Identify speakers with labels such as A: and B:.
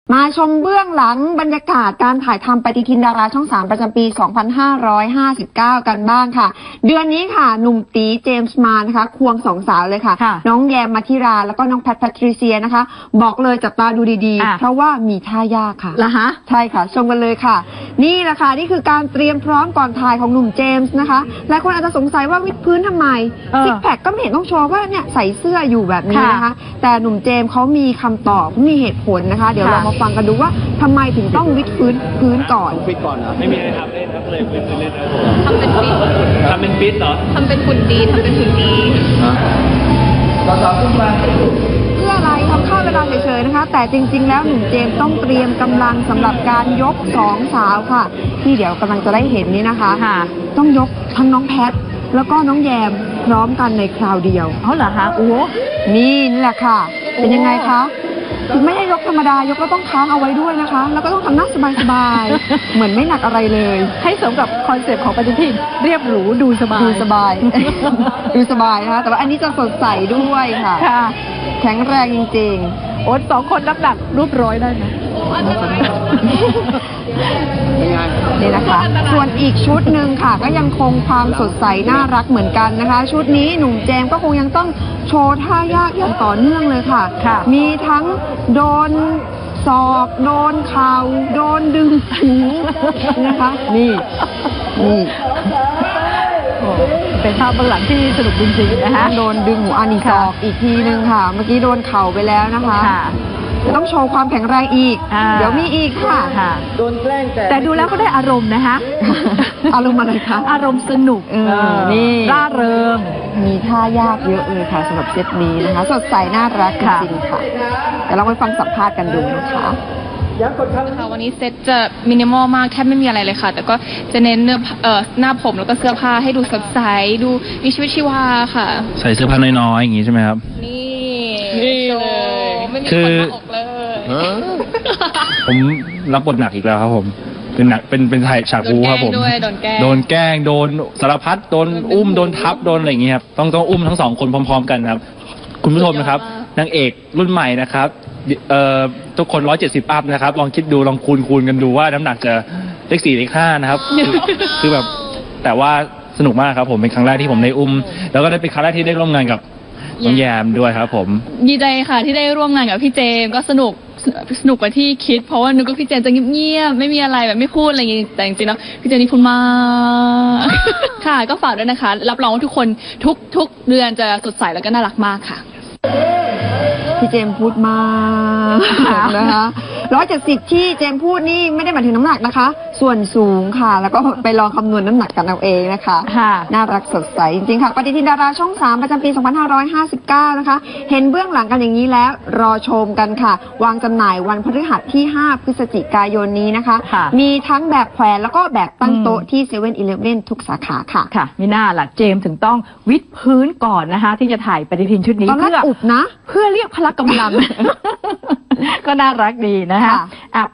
A: มาชมเบื้องหลังบรรยากาศการถ่ายทำปฏิทินดาราช่อง 3 ประจำปี 2559 กันบ้างค่ะ เดือนนี้ค่ะหนุ่มตีเจมส์มานะคะควงสองสาวเลยค่ะ น้องแยมมัธิราแล้วก็น้องแพทริเซียนะคะ บอกเลยจับตาดูดีๆ เพราะว่ามีท่ายากค่ะเหรอฮะใช่ค่ะชมกันเลยค่ะนี่แหละค่ะนี่คือการเตรียมพร้อมก่อนถ่ายของหนุ่มเจมส์นะคะหลายคนอาจจะสงสัยว่าวิดพื้นทำไมซิกแพคก็ไม่เห็นต้องโชว์ว่าเนี่ยใส่เสื้ออยู่แบบนี้นะคะแต่หนุ่มเจมส์เขามีคำตอบมีเหตุผลนะคะเดี๋ยวเรามาฟังกันดูว่าทำไมถึงต้องวิดพื้นก่อน
B: ฟิตก่อนเหรอไม่มีอะไรทำเล่นครับเลยวิดพื้นเล่นครับ
C: ทำเป็นฟิต
B: ทำเป็นฟิตเหรอ
C: ทำเป็นหุ่นดีทำเป็นหุ่นดี
A: เพื่ออะไรทำข้าวเวลาเฉยๆนะคะแต่จริงๆแล้วหนุ่มเจมส์ต้องเตรียมกำลังสำหรับการยกสองสาวค่ะที่เดี๋ยวกำลังจะได้เห็นนี้นะคะต้องยกทั้งน้องแพทแล้วก็น้องแยมพร้อมกันในคราวเดียว
C: เหรอคะโอ้
A: นี่แหละค่ะเป็นยังไงคะถึงไม่ให้ยกธรรมดายกแล้วต้องค้างเอาไว้ด้วยนะคะแล้วก็ต้องทำหน้าสบายๆเหมือนไม่หนักอะไรเลย
C: ให้สมกับคอนเซ็ปต์ของปฏิทินเรียบหรูดูสบาย
A: ดูสบายนะคะแต่ว่าอันนี้จะสดใสด้วยค่ะแข็งแรงจริง
C: ๆโอ๊ตสองคนน้ำหนักรูปร้อยได้ไหม
A: นี่นะคะส่วนอีกชุดหนึ่งค่ะก็ยังคงความสดใสน่ารักเหมือนกันนะคะชุดนี้หนุ่มเจมส์ก็คงยังต้องโชว์ท่ายากอย่างต่อเนื่องเลยค่ะมีทั้งโดนศอกโดนเข่าโดนดึงหูนะคะนี่
C: เป็นภาพเบื้องหลังที่สนุกจริงๆนะคะ
A: โดนดึงหูอันนี้ศอกอีกทีนึงค่ะเมื่อกี้โดนเข่าไปแล้วนะคะจะต้องโชว์ความแข็งแรงอีกเดี๋ยวมีอีกค่ะ
C: โดนแกล้งแต่ดูแล้วก็ได้อารมณ์นะคะ
A: อารมณ์อะไรคะ
C: อารมณ์สนุก
A: นี่
C: ร่าเริง
A: มีท่ายากเยอะเลยค่ะสำหรับเซตนี้นะคะสดใสน่ารักจริงๆค่ะเดี๋ยวเราไปฟังสัมภาษณ์กันดูนะคะ
D: ค่ะวันนี้เซตจะมินิมอลมากแทบไม่มีอะไรเลยค่ะแต่ก็จะเน้นหน้าผมแล้วก็เสื้อผ้าให้ดูสดใสดูมีชีวิตชีวาค่ะ
B: ใส่เสื้อผ้าน้อยๆอย่างงี้ใช่ไหมครับ
D: นี่เลยไม่มีคนมาออกเลย
B: ผมรับบทหนักอีกแล้วครับผมเป็นหนักเป็นถ่ายฉากบูครับผมโดนแกล้งโดนสารพัดโดนอุ้มโดนทับโดนอะไรอย่างเงี้ยครับต้องอุ้มทั้งสองคนพร้อมๆกันครับคุณผู้ชมนะครับนางเอกรุ่นใหม่นะครับทุกคน170 อัพนะครับลองคิดดูลองคูณกันดูว่าน้ำหนักจะเลข 4 เลข 5นะครับคือแบบแต่ว่าสนุกมากครับผมเป็นครั้งแรกที่ผมได้อุ้มแล้วก็ได้เป็นครั้งแรกที่ได้ร่วมงานกับน้องแยมด้วยครับผม
D: ดีใจค่ะที่ได้ร่วมงานกับพี่เจมก็สนุกกว่าที่คิดเพราะว่านึกว่าพี่เจมจะเงียบๆไม่มีอะไรแบบไม่พูดอะไรอย่างงี้แต่จริงๆแล้วพี่เจมนี่พูดมากค่ะก็ฝากด้วยนะคะรับรองว่าทุกคนทุกเดือนจะสดใสแล้วก็น่ารักมากค่ะ
A: พี่เจมพูดมากนะคะ170ที่เจมพูดนี่ไม่ได้หมายถึงน้ำหนักนะคะส่วนสูงค่ะแล้วก็ไปลองคำนวณน้ำหนักกันเอาเองนะคะน่ารักสดใสจริงๆค่ะปฏิทินดาราช่อง 3 ประจำปี 2559 นะคะเห็นเบื้องหลังกันอย่างนี้แล้วรอชมกันค่ะวางจำหน่ายวันพฤหัสที่ 5 พฤศจิกายนนี้นะคะมีทั้งแบบแขวนแล้วก็แบบตั้งโต๊ะที่7-Eleven ทุกสาขาค่ะ
C: ไม่น่าล่ะเจมถึงต้องวิดพื้นก่อนนะคะที่จะถ่ายปฏิทินชุดนี้
A: เพื่ออุบนะ
C: เพื่อเรียกพละกำลังก็น่ารักดีนะคะ